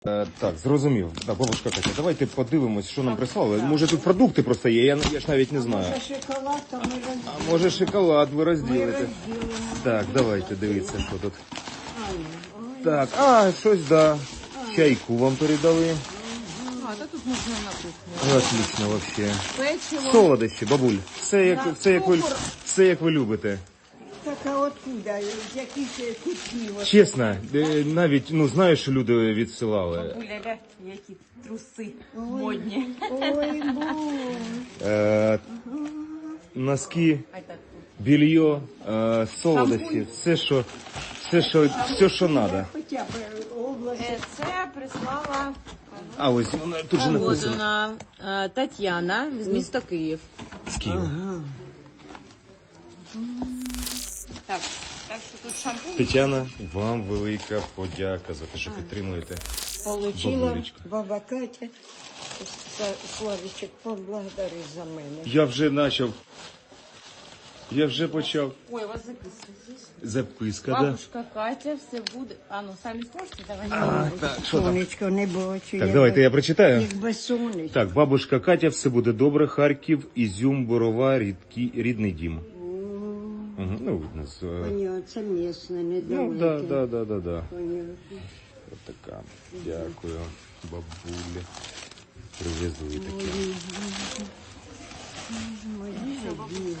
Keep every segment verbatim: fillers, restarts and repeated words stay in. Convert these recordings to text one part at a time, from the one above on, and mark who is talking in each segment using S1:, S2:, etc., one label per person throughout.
S1: Е, так, зрозумів. Так, бабушка Катя, давайте подивимось, що нам прислали. Може тут продукти просто є, я, я ж навіть не знаю.
S2: Може шоколад, то ми розділимо.
S1: А може шоколад ви
S2: Ми
S1: розділите.
S2: розділимо.
S1: Так, давайте дивіться, що тут.
S2: Ай, ой.
S1: Так, а, щось, да. Чайку вам передали.
S3: А, та тут можна на кухню.
S1: Отлично, вообще.
S3: Печиво.
S1: Солодощі, бабуль. Все як,
S3: Да,
S1: все, як ви,
S3: цукор.
S1: все як ви любите.
S2: Так, а откуда? З яких е, кутків? От?
S1: Чесно, е, навіть, ну, знаю, що люди відсилали.
S3: Бабуля, які труси модні.
S2: Ой, боже.
S1: Е, носки,
S3: А так,
S1: белье, е, солодощі, все, що, все, що, все, що треба.
S2: Хоча б область.
S3: е, це прислала
S1: А ось воно тут же написано.
S3: Погодина е, Тетяна з міста Київ.
S1: З Києва.
S3: Так, так що тут шампунь.
S1: Тетяна, вам велика подяка за те, що підтримуєте.
S2: Получила
S1: Бабулечка.
S2: баба Катя. Са- Славічек, поблагодари за мене.
S1: Я вже почав. Я вже почав.
S3: Ой, у вас записка здесь.
S1: Записка, да?
S3: Бабушка Катя, все буде. А, ну самі зможете, давай не
S1: А,
S3: можу.
S1: так, що там?
S2: Сонечко не бачу.
S1: Так, давайте я прочитаю.
S2: Як без сонечка.
S1: Так, бабушка Катя, все буде добре. Харків, Ізюм, Борова, рідкі, рідний дім. Угу. Ну, видно, з... е,
S2: Понятно, це місне,
S1: Ну,
S2: недалеке.
S1: да, да, да, да, да.
S2: Понятно.
S1: От така. Дякую, бабулі. Привезли таке.
S2: Мої дорогі.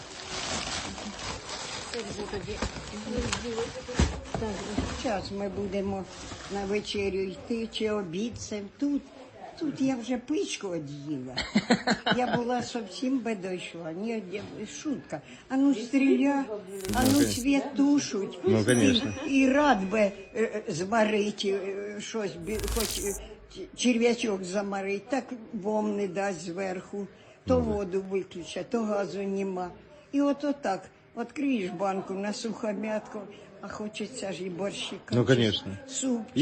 S2: Так, зараз ми будемо на вечерю йти, чи обід це тут. Тут я вже пичку од'їла. Я була зовсім би дійшла. Ні, я- шутка. А ну стріля, а ну світ тушуть.
S1: Ну, конечно.
S2: І, і рад би е, е, зварити е, щось, бі- хоч е, ч- черв'ячок замарити, так вам не дасть зверху. То воду виключать, то газу нема. І от отак, відкриєш банку на сухомятку, а хочеться ж і борщика.
S1: Ну, конечно.
S2: Суп.